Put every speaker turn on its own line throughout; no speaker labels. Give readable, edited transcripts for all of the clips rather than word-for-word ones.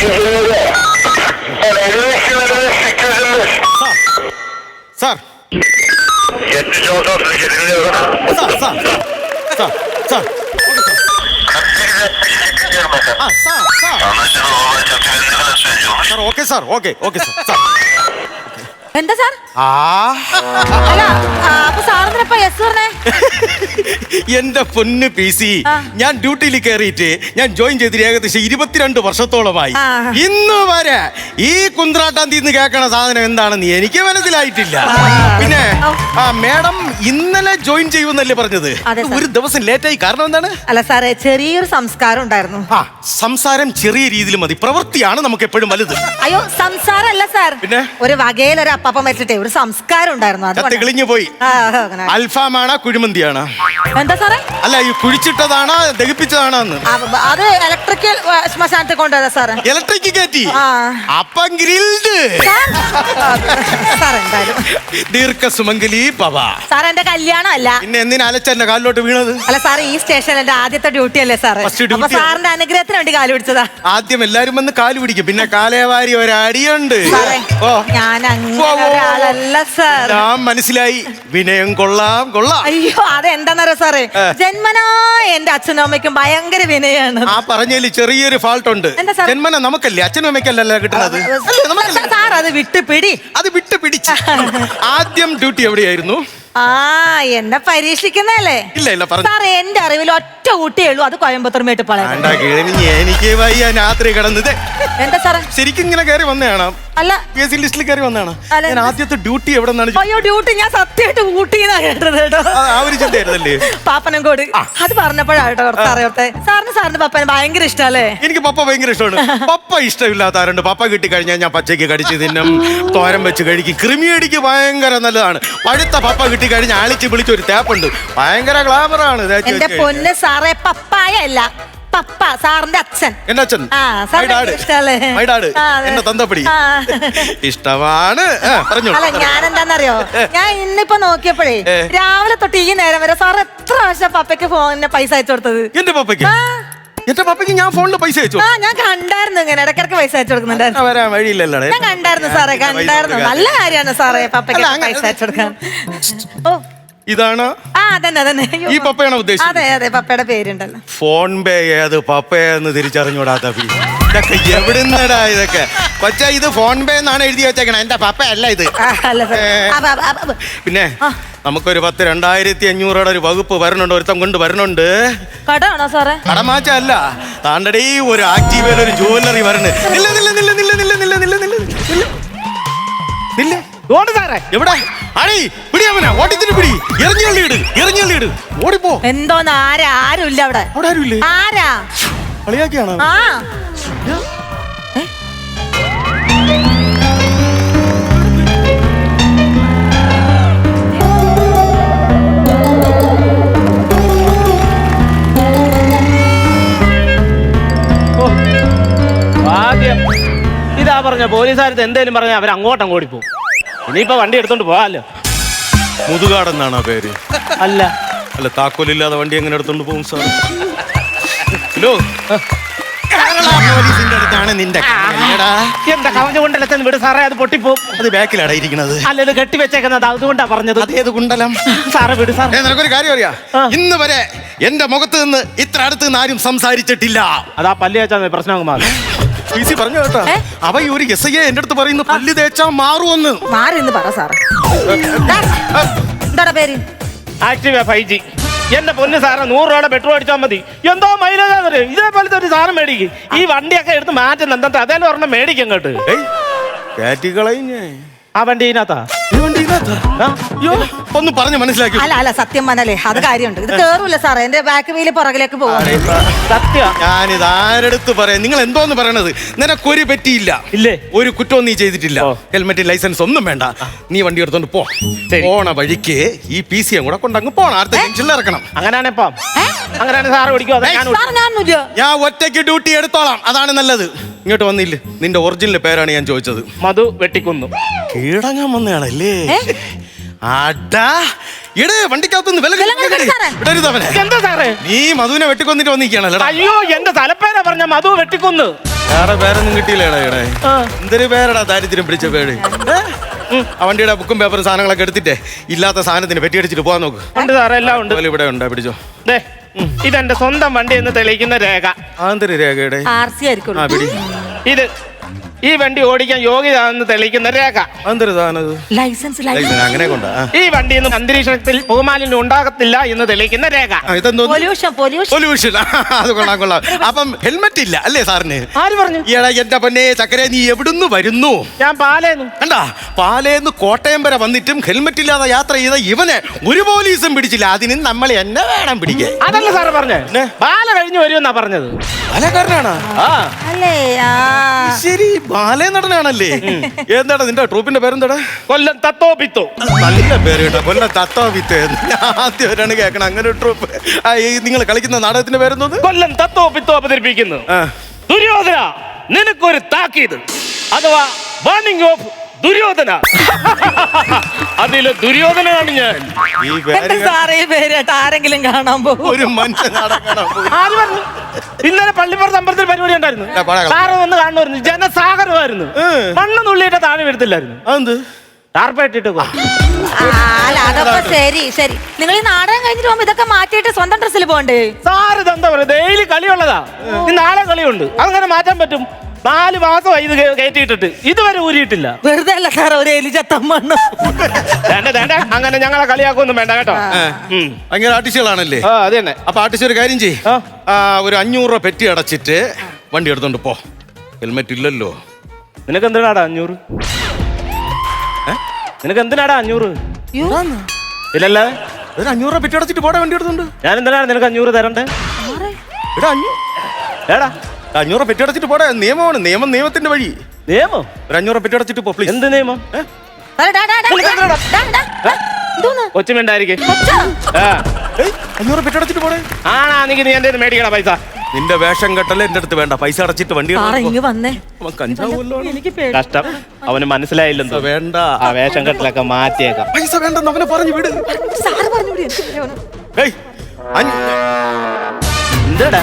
Sir okay sir okay okay sir.
എന്താ sir? അല്ല അപ്പൊ സാറിനപ്പ യെസ് പറഞ്ഞേ?
എന്റെ പൊന്ന് പി സി, ഞാൻ ഡ്യൂട്ടിയിൽ കയറിയിട്ട് ഞാൻ ജോയിൻ ചെയ്തിട്ട് ഏകദേശം 22 വർഷത്തോളമായി. ഇന്ന് വരെ ഈ കുന്ത്രാട്ടാൻ തീന്ന് കേൾക്കണ സാധനം എന്താണെന്ന് എനിക്ക് മനസ്സിലായിട്ടില്ല. പിന്നെ മേഡം ഇന്നലെ ജോയിൻ ചെയ്യുമെന്നല്ലേ പറഞ്ഞത്? ഒരു ദിവസം ലേറ്റായി, കാരണം എന്താണ്?
അല്ല സാറേ, ചെറിയൊരു സംസ്കാരം ഉണ്ടായിരുന്നു.
സംസാരം ചെറിയ രീതിയിൽ മതി, പ്രവൃത്തിയാണ് നമുക്ക് എപ്പോഴും വലുത്.
അയ്യോ, സംസാരം അല്ല സാർ, പിന്നെ ഒരു വകയിലൊരു അപ്പം വെച്ചിട്ടേ ഒരു സംസ്കാരം ഉണ്ടായിരുന്നു. അത്
കിളിഞ്ഞു പോയി. അൽഫാമാണോ കുഴിമന്തിയാണോ?
എന്താ സാറേ?
അല്ല, ഈ കുഴിച്ചിട്ടതാണോ ദഹിപ്പിച്ചതാണോ?
അത് ഇലക്ട്രിക്കൽ ശ്മശാനത്തിൽ കൊണ്ടുവരാ സാറേ.
ഇലക്ട്രിക് കയറ്റി അപ്പം ഗ്രിൽഡ്. ദീർഘസുമംഗലി ഭവ.
സാർ എന്റെ കല്യാണം അല്ല.
പിന്നെ എന്തിനാ അലച്ചെന്റെ കാലിലോട്ട് വീണത്?
അല്ല സാർ, ഈ സ്റ്റേഷനിൽ എന്റെ ആദ്യത്തെ ഡ്യൂട്ടി അല്ലേ സാർ? അപ്പൊ സാറിന്റെ അനുഗ്രഹത്തിന് വേണ്ടി കാല് പിടിച്ചതാ.
ആദ്യം എല്ലാരും വന്ന് കാല് പിടിക്കും, പിന്നെ കാലേവാരി ഒരടിയുണ്ട്.
ഞാൻ ഒരാളല്ല സാർ.
ഞാൻ മനസ്സിലായി, വിനയം കൊള്ളാം കൊള്ളാം.
അയ്യോ, അതെന്താന്നറിയോ സാറേ, ജന്മനാ എന്റെ അച്ഛനും അമ്മയ്ക്കും ഭയങ്കര വിനയാണ്.
ആ പറഞ്ഞതിൽ ചെറിയൊരു ഫാൾട്ട് ഉണ്ട്. ജന്മന നമുക്കല്ലേ, അച്ഛനും അമ്മയ്ക്കല്ലല്ലോ കിട്ടുന്നത്.
സാർ അത് വിട്ടുപിടി.
അത് വിട്ടുപിടിച്ച്. ആദ്യം ഡ്യൂട്ടി എവിടെയായിരുന്നു?
എന്നെ പരീക്ഷിക്കുന്നല്ലേ?
ഇല്ല ഇല്ല,
സാർ എന്റെ അറിവിൽ ഒറ്റ ഊട്ടിയേ ഉള്ളൂ, അത് കോയമ്പത്തൂർ മേട്ടുപ്പാളയം.
എനിക്ക് വയ്യ രാത്രി കിടന്നത്.
എന്താ സാറേ?
ശരിക്കും ഇങ്ങനെ കയറി വന്നതാണ്?
അല്ല,
PSC ലിസ്റ്റിൽ കയറി വന്നതാണ്. ഞാൻ ആദ്യത്തെ ഡ്യൂട്ടി എവിടെ നിന്നാണ്?
അയ്യോ, ഡ്യൂട്ടി ഞാൻ സത്യമായിട്ട് ഊട്ടിന്നാ കേട്ടത് കേട്ടോ.
ആ ഒരു ചിന്തയായിരുന്നല്ലേ?
പാപ്പനംകോട്. അത് പറഞ്ഞപ്പോഴാട്ടോ കുറച്ച് അറിയട്ടെ. സാറിന് പപ്പനെ ഭയങ്കര ഇഷ്ടല്ലേ?
എനിക്ക് പപ്പ ഭയങ്കര ഇഷ്ടമാണ്. പപ്പ ഇഷ്ടമില്ലാത്ത ആരുണ്ട്? പപ്പ കിട്ടി കഴിഞ്ഞാൽ ഞാൻ പച്ചയ്ക്ക് കടിച്ച് തിന്നും, തോരൻ വെച്ച് കഴിക്കും. കൃമിയടിക്ക് ഭയങ്കര നല്ലതാണ്. പഴുത്ത പപ്പ കിട്ടി കഴിഞ്ഞാൽ ആളിച്ച് വിളിച്ചൊരു തേപ്പുണ്ട്, ഭയങ്കര ഗ്ലാമറാണ്.
എന്റെ പൊന്ന് സാറേ, പപ്പായ അല്ല, പപ്പ, സാറിന്റെ അച്ഛൻ.
എന്റെ അച്ഛൻ എന്നെ തന്തപ്പടി ഇഷ്ടമാണ്.
അല്ല, ഞാൻ എന്താന്നറിയോ, ഞാൻ ഇന്നിപ്പോ നോക്കിയപ്പോഴേ രാവിലെ തൊട്ട് ഈ നേരം വരെ സാർ എത്ര പ്രാവശ്യം പപ്പയ്ക്ക് ഫോണിന് പൈസ അയച്ചു കൊടുത്തത്?
എന്റെ പപ്പയ്ക്ക്? എന്റെ പപ്പയ്ക്ക് ഞാൻ ഫോണിൽ പൈസ അയച്ചു?
ഞാൻ കണ്ടായിരുന്നു, ഇങ്ങനെ ഇടയ്ക്കിടയ്ക്ക് പൈസ അയച്ചു കൊടുക്കുന്നുണ്ടായിരുന്നു.
വരാൻ വഴിയില്ലല്ലോ.
ഞാൻ കണ്ടായിരുന്നു സാറേ, കണ്ടായിരുന്നു. നല്ല കാര്യമാണ് സാറേ പപ്പയ്ക്ക് പൈസ അയച്ചു കൊടുക്കാൻ. ഓ,
ഇതാണ് ഈ പപ്പയാണോ ഉദ്ദേശിച്ചത്?
അതെ അതെ, പപ്പയുടെ പേരുണ്ടല്ലോ.
ഫോൺ പേ ഏത് പപ്പയെന്ന് തിരിച്ചറിഞ്ഞൂടാത്ത ഇതൊക്കെ എവിടുന്നടാ ഇതൊക്കെ? കൊച്ചാ, ഇത് ഫോൺ പേ എന്നാണ് എഴുതി വെച്ചേക്കണേ, എന്റെ പപ്പ അല്ല ഇത്. പിന്നെ നമുക്കൊരു 10,2,500 ഒരു വകുപ്പ് വരണുണ്ട്, ഒരുത്തം കൊണ്ട് വരണുണ്ട്.
കടമാണോ സാറേ?
കടമാച്ച അല്ല, താണ്ടടേ ഒരു ആക്റ്റീവയിൽ ഒരു ജുവല്ലറി വരണേ. എവിടെ അടി പിടിയാമന ഓട്ടിച്ചിട്ട് പിടി, എറിഞ്ഞള്ളിയിട്, ഓടിപ്പോ.
എന്തോന്ന്? ആരുമില്ല അവിടെ.
അവിടെ ആരുമില്ലേ?
ആരാ
കളിയാക്കിയാണോ?
ആദ്യം ഇതാ പറഞ്ഞ പോലീസുകാരത്ത് എന്തേലും പറഞ്ഞ അവർ അങ്ങോട്ടും ഓടിപ്പോ. ഇനിയിപ്പോ വണ്ടി എടുത്തോണ്ട് പോവാല്ലോ.
മുതുകാടെന്നാണോ പേര്?
അല്ല
അല്ല, താക്കോലില്ലാതെ വണ്ടി എങ്ങനെ എടുത്തോണ്ട് പോകും സാർ? ഹലോ, പോലീസിന്റെ അടുത്താണ് നിന്റെ
എന്താ കവഞ്ഞ കൊണ്ടല്ല വിട് സാറേ, അത് പൊട്ടിപ്പോവും.
അത് ബാക്കിലാണ് ഇരിക്കുന്നത്.
അല്ല, ഇത് കെട്ടി വെച്ചേക്കുന്നത്, അതുകൊണ്ടാ പറഞ്ഞത്.
അതേത് കുണ്ടലം
സാറേ, വിട് സാർ.
നിനക്കൊരു കാര്യം അറിയാ, ഇന്ന് വരെ എന്റെ മുഖത്ത് നിന്ന് ഇത്ര അടുത്ത് നിന്ന് ആരും സംസാരിച്ചിട്ടില്ല.
അതാ പല്ല് തേച്ചാ പ്രശ്നം മാറും.
PC പറഞ്ഞു കേട്ടോ, അവ ഒരു SI എന്റെ അടുത്ത് പറയുന്നു പല്ല് തേച്ചാ മാറുമെന്ന്.
മാറിന്ന് പറ സാറേ. എന്താ പേര്?
Activa 5G. എന്റെ പൊന്ന് സാറേ, 100 രൂപയുടെ പെട്രോൾ അടിച്ചാൽ മതി. എന്തോ മൈലേജ്. ഇതേപോലത്തെ ഒരു സാധനം മേടിക്കും. ഈ വണ്ടിയൊക്കെ എടുത്ത് മാറ്റുന്ന എന്താ, അതേലും ഒരെണ്ണം മേടിക്കും കേട്ട്. ആ വണ്ടി ഇതിനകത്താ?
ഒന്ന് പറഞ്ഞു മനസ്സിലാക്കി.
അല്ല സത്യം പറഞ്ഞാലേ അത് കാര്യമുണ്ട്. ഇത് കേറൂല സാറേ, എന്റെ ബാക്ക് വീല് പുറകിലേക്ക് പോകും.
സത്യം.
ഞാനിത് ആരെടുത്ത് പറയാം? നിങ്ങൾ എന്തോന്ന് പറയണത്? നിനക്കൊരു പറ്റിയില്ല,
ഇല്ലേ?
ഒരു കുറ്റവും നീ ചെയ്തിട്ടില്ല. ഹെൽമെറ്റ്, ലൈസൻസ് ഒന്നും വേണ്ട. നീ വണ്ടി എടുത്തോണ്ട് പോ. പോണ വഴിക്ക് ഈ PC കൂടെ കൊണ്ടങ്ങ് പോണം. അടുത്ത ജംഗ്ഷനിൽ ഇറക്കണം.
അങ്ങനെയാണിപ്പം. അങ്ങനെയാണ് സാറ് ഓടിക്കോ?
ഞാൻ ഒറ്റയ്ക്ക് ഡ്യൂട്ടി എടുത്തോളാം, അതാണ് നല്ലത്. ഇങ്ങോട്ട് വന്നില്ലേ? നിന്റെ ഒറിജിനൽ പേരാണ് ഞാൻ ചോദിച്ചത്.
മധു വെട്ടിക്കുന്നു.
കീഴടങ്ങാൻ വന്നയാണല്ലേ? അടാ, ഇടേ വണ്ടിക്കകത്തുനിന്ന് വില വിടരുതവനെ.
എന്താ സാറേ?
നീ മധുവിനെ വെട്ടിക്കൊന്നിട്ട് വന്നിരിക്കണല്ലോ.
അയ്യോ എന്റെ തലപ്പേരാ പറഞ്ഞ മധു വെട്ടിക്കൊന്ന്.
വേറെ പേരൊന്നും കിട്ടിയില്ലേടാ ഇവിടെ. എന്തൊരു പേരടാ ദാരിദ്ര്യം പിടിച്ച പേര്. ആ വണ്ടിയുടെ ബുക്കും പേപ്പറും സാധനങ്ങളൊക്കെ എടുത്തിട്ടേ ഇല്ലാത്ത സാധനത്തിന് പെറ്റിയടിച്ചിട്ട് പോകാൻ നോക്ക്.
ഉണ്ട് സാറേ, എല്ലാം ഉണ്ട്.
ഇവിടെ ഉണ്ടാ പിടിച്ചോ.
ഇതെന്റെ സ്വന്തം വണ്ടി എന്ന് തെളിയിക്കുന്ന രേഖ.
ആന്തരി രേഖയുടെ
RC ആയിരിക്കും.
ആ പിടി.
ഇത് ഈ വണ്ടി ഓടിക്കാൻ യോഗ്യതാണെന്ന് തെളിയിക്കുന്ന രേഖ.
ആന്തരി സാധനം
ലൈസൻസ്
അങ്ങനെ കൊണ്ടാ.
ഈ വണ്ടിയിൽ നിന്ന് അന്തരീക്ഷത്തിൽ പുകമാലിന്യം ഉണ്ടാകത്തില്ല എന്ന് തെളിയിക്കുന്ന രേഖ.
ഇതെന്തോ
പൊല്യൂഷൻ.
അത് കൊള്ളാം. അപ്പം ഹെൽമെറ്റ് ഇല്ല അല്ലേ സാറിന്?
ആര് പറഞ്ഞു?
ഈടാ എന്റെ പൊന്നെ ചക്കരെ, നീ എവിടുന്ന് വരുന്നു?
ഞാൻ പാലേന്നു.
കണ്ടാ, പാലേന്ന് കോട്ടയം വരെ വന്നിട്ടും ഹെൽമെറ്റ് ഇല്ലാതെ യാത്ര ചെയ്ത ഇവനെ ഒരു പോലീസും പിടിച്ചില്ല. അതിന് നമ്മൾ എന്നെ വേണം പിടിക്കാൻ.
അതല്ല സാറ് പറഞ്ഞേ, ബാല കഴിഞ്ഞു വരുമെന്നാ പറഞ്ഞത്.
ബാലക്കാരനാണോ?
അല്ലേ?
ശരി, ബാലേ നടനാണല്ലേ. എന്താടാ നിന്റെ ട്രൂപ്പിന്റെ പേരെന്താടാ?
കൊല്ലം തത്തോപിത്തോ.
നല്ല പേര് കേട്ടോ, കൊല്ലം തത്തോപിത്തോ. ആദ്യമായിട്ടാണ് കേൾക്കണം അങ്ങനെ ഒരു ട്രൂപ്പ്. നിങ്ങൾ കളിക്കുന്ന നാടകത്തിന്റെ പേരെന്തോന്ന്?
കൊല്ലം തത്തോപിത്തോ അവതരിപ്പിക്കുന്നു. ദുര്യോധന, നിനക്കൊരു താക്കീത്, അഥവാ വാർണിംഗ് ഓഫ് ദുര്യോധന. അതില് ദുര്യോധനാണ് ഞാൻ.
സാറേ പേരായിട്ട് ആരെങ്കിലും കാണാൻ പോകും?
ഒരു മനുഷ്യൻ നാടകം.
ആര് പറഞ്ഞു? ഇന്നലെ പള്ളിപ്പുറത്ത് അമ്പലത്തിൽ പരിപാടി ഉണ്ടായിരുന്നു. സാറ് വന്ന് കാണുമായിരുന്നു. ജനസാഗരമായിരുന്നു. മണ്ണ് നുള്ളിയിട്ട് താഴെ വീഴത്തില്ലായിരുന്നു.
അതെന്ത്
ടാർപ്പേറ്റിട്ട്
അതൊക്കെ ശരി ശരി. നിങ്ങൾ ഈ നാടകം കഴിഞ്ഞിട്ട് പോകുമ്പോ ഇതൊക്കെ മാറ്റിയിട്ട് സ്വന്തം ഡ്രസ്സിൽ പോകണ്ടേ?
സാർ ഇതെന്താ പറയുക, ഡെയിലി കളിയുള്ളതാ. നാളെ കളിയുണ്ട്, അതങ്ങനെ മാറ്റാൻ പറ്റും. 4 മാസമായി ഇത് കയറ്റിയിട്ടിട്ട് ഇതുവരെ ഊരിയിട്ടില്ല.
വെറുതെ അല്ല സാർ, ഒരു എലിചത്തമ്മണ്ണ്.
അങ്ങനെ ഞങ്ങളെ കളിയാക്കൊന്നും വേണ്ട കേട്ടോ.
ഭയങ്കര ആർട്ടിസ്റ്റുകളാണല്ലേ?
അത് തന്നെ.
അപ്പൊ ആർട്ടിസ്റ്റ് ഒരു കാര്യം ചെയ്യ്, ഒരു 500 രൂപ പെറ്റി അടച്ചിട്ട് വണ്ടി എടുത്തോണ്ട് പോ. ഹെൽമെറ്റ് ഇല്ലല്ലോ.
നിനക്ക് എന്തിനാടാ 500? നിനക്ക് എന്തിനാടാ 500? ഇല്ലല്ലേ,
ഒരു 500 രൂപ പെറ്റി അടച്ചിട്ട് പോടാ വണ്ടി എടുത്തോണ്ട്.
ഞാൻ എന്തിനാണ് നിനക്ക് 500 തരണ്ടേ? ഏടാ
500 രൂപ പെറ്റി അടച്ചിട്ട് പോടാ. നിയമമാണ്, നിയമത്തിന്റെ വഴി.
നിയമം?
ഒരു 500 രൂപ പെറ്റി അടച്ചിട്ട് പോ പ്ലീസ്.
എന്ത് നിയമം? കൊച്ചുമിണ്ടായിരിക്കും.
500 രൂപ പെറ്റി അടച്ചിട്ട് പോടേ.
ആണാ നീ എന്റെ മേടിക്കണ പൈസ.
നിന്റെ വേഷം കെട്ടല്ലേ എന്റെ അടുത്ത് വേണ്ട. പൈസ അടച്ചിട്ട് വണ്ടി
വന്നേ.
കഷ്ടം, അവന് മനസ്സിലായില്ലെന്തോ.
വേണ്ട,
ആ വേഷം കെട്ടലൊക്കെ മാറ്റിയേക്കാം.
പൈസ വേണ്ടെന്ന് അവനെ പറഞ്ഞു വിട്.
എന്താടാ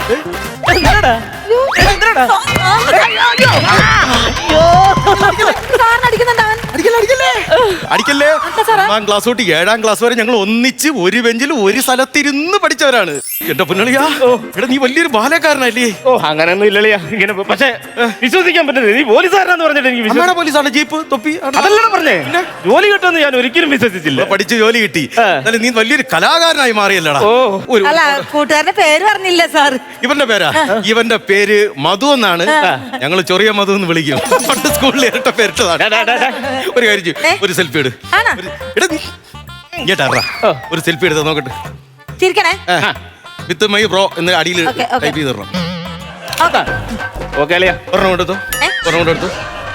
അടിക്കല്ലേ. 1 ക്ലാസ് തൊട്ട് 7ാം ക്ലാസ് വരെ ഞങ്ങൾ ഒന്നിച്ച് ഒരു ബെഞ്ചിൽ ഒരു സ്ഥലത്തിരുന്ന് പഠിച്ചവരാണ്. എന്റെ പൊന്നളിയാ, എടാ നീ വലിയൊരു ബാലക്കാരനല്ലേ?
അങ്ങനെയൊന്നും ഇല്ലളിയാ. ഇങ്ങനെ പക്ഷെ വിശ്വസിക്കാൻ പറ്റുന്നത് നീ പോലീസുകാരനാന്ന് പറഞ്ഞിട്ട് എനിക്ക്
പോലീസാണ്, ജീപ്പ് തൊപ്പി
അതല്ലേ പറഞ്ഞേ. ജോലി കിട്ടുമെന്ന് ഞാൻ ഒരിക്കലും വിശ്വസിച്ചില്ല.
പഠിച്ച് ജോലി കിട്ടി, എന്നാലും നീ വലിയൊരു കലാകാരനായി മാറിയല്ലടാ.
കൂട്ടുകാരന്റെ പേര് പറഞ്ഞില്ല സാർ.
ഇവന്റെ പേരാ? ഇവന്റെ പേര് മധു എന്നാണ്. ഞങ്ങൾ ചൊറിയ മധു എന്ന് വിളിക്കും. പണ്ട് സ്കൂളിൽ ഇരട്ട പേരിട്ടതാണ്. ഒരു കാര്യം ചെയ്യും, ഒരു സെൽഫി എടു. ഒരു സെൽഫി എടുത്ത് നോക്കട്ടെ.
ചിരിക്കണേ.
വിത്ത് മൈ ബ്രോ എന്ന് അടിയിൽ ടൈപ്പ് ചെയ്ത് തരണം. ഒരെണ്ണം എടുത്തു, ഒരെണ്ണം എടുത്തു.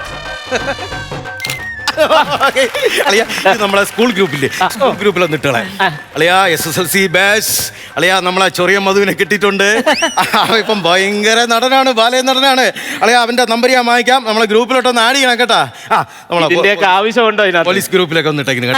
അളിയ നമ്മളെ സ്കൂൾ ഗ്രൂപ്പില്ലേ, സ്കൂൾ ഗ്രൂപ്പിൽ വന്നിട്ടുള്ള അളിയ SSLC ബാച്ച് അളിയ നമ്മളെ ചൊറിയ മധുവിനെ കിട്ടിയിട്ടുണ്ട്. ഇപ്പം ഭയങ്കര നടനാണ്, ബാലയ നടനാണ്. അളിയ അവന്റെ നമ്പർ ഞാൻ വാങ്ങിക്കാം, നമ്മളെ ഗ്രൂപ്പിലോട്ടൊന്ന് ആഡ് ചെയ്യണം കേട്ടാ. നമ്മളെ
ആവശ്യമുണ്ടോ
പോലീസ് ഗ്രൂപ്പിലൊക്കെ വന്നിട്ടേക്കുന്നു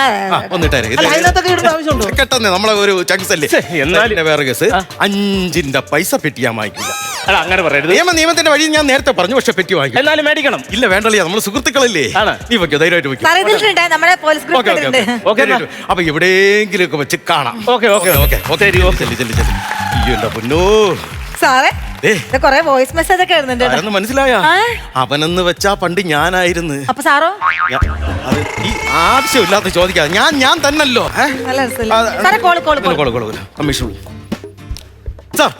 കേട്ടെ. നമ്മളെ ഒരു ചങ്സ് അല്ലേ. എന്നാലും വേറെ കേസ്, 5ന്റെ പൈസ പെറ്റി ഞാൻ വാങ്ങിക്കില്ല.
അങ്ങനെ പറയരുത്.
നിയമത്തിന്റെ വഴി ഞാൻ നേരത്തെ പറഞ്ഞു, പക്ഷെ പെറ്റി വാങ്ങിക്കും.
എന്നാലും മേടിക്കണം.
ഇല്ല വേണ്ടല്ലേ, നമ്മള് സുഹൃത്തുക്കളല്ലേ. നീ വെക്കോ, ധൈര്യമായിട്ട് വെക്കും. അപ്പൊ എവിടെയെങ്കിലും ഒക്കെ വെച്ച് കാണാം.
കൊറേ വോയിസ് മെസ്സേജ് ഒക്കെ
ആരെന്ന് മനസ്സിലായ? അവനെന്ന് വെച്ചാ പണ്ട് ഞാനായിരുന്നു.
അപ്പൊ സാറോ?
ഈ ആവശ്യമില്ലാത്ത ചോദിക്കാതെ ഞാൻ തന്നല്ലോ. Commission sir.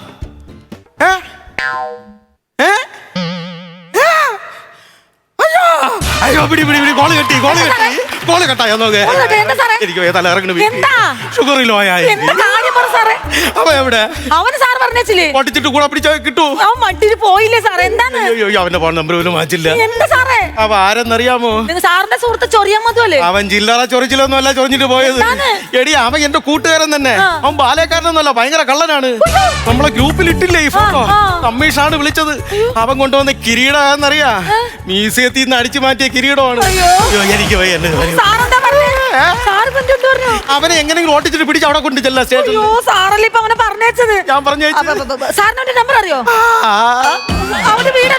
അയ്യോ പിടി കോള് കട്ടായോ നോക്ക്. എനിക്ക് തല ഇറങ്ങണ ഷുഗറിലോ അവ എവിടെ?
അവന് സാർ പറഞ്ഞില്ലേ
പൊട്ടിച്ചിട്ട് കൂടെ പിടിച്ചാൽ കിട്ടൂ.
അവൻ മട്ടിൽ പോയില്ലേ സാറേ? എന്താണ്?
അവന്റെ ഫോൺ നമ്പർ പോലും മാറ്റില്ല.
എന്താ സാറേ?
അവ ആരെന്നറിയാമോ?
സാറിന്റെ സുഹൃത്ത് ചൊറിയാൻ മതിയല്ലേ?
അവൻ ചില്ലറ ചൊറിച്ചിലൊന്നും അല്ല ചൊറിഞ്ഞിട്ട് പോയത്. എടി അവൻ എന്റെ കൂട്ടുകാരൻ തന്നെ. അവൻ ബാലക്കാരനൊന്നുമല്ല, ഭയങ്കര കള്ളനാണ്. നമ്മളെ ഗ്രൂപ്പിൽ ഇട്ടില്ലേ ഈ ഫോട്ടോ? കമ്മീഷാണ് വിളിച്ചത്. അവൻ കൊണ്ടുവന്ന കിരീടം എന്നറിയാ? മ്യൂസിയത്തിൽ നിന്ന് അടിച്ചു മാറ്റിയ കിരീടമാണ്. എനിക്ക്
സാറെന്താ പറഞ്ഞേ? സാർ ഇപ്പൊ എന്ത് പറഞ്ഞു?
അവനെ എങ്ങനെയെങ്കിലും ഓട്ടിച്ചിട്ട് പിടിച്ച് അവിടെ കൊണ്ട് ചെല്ലാം സ്റ്റേഷനിൽ.
അയ്യോ സാറല്ലേ ഇപ്പൊ അവനെ പറഞ്ഞേച്ചത്.
ഞാൻ പറഞ്ഞു
സാറിന് അവന്റെ നമ്പർ അറിയോ? അവന്റെ വീട്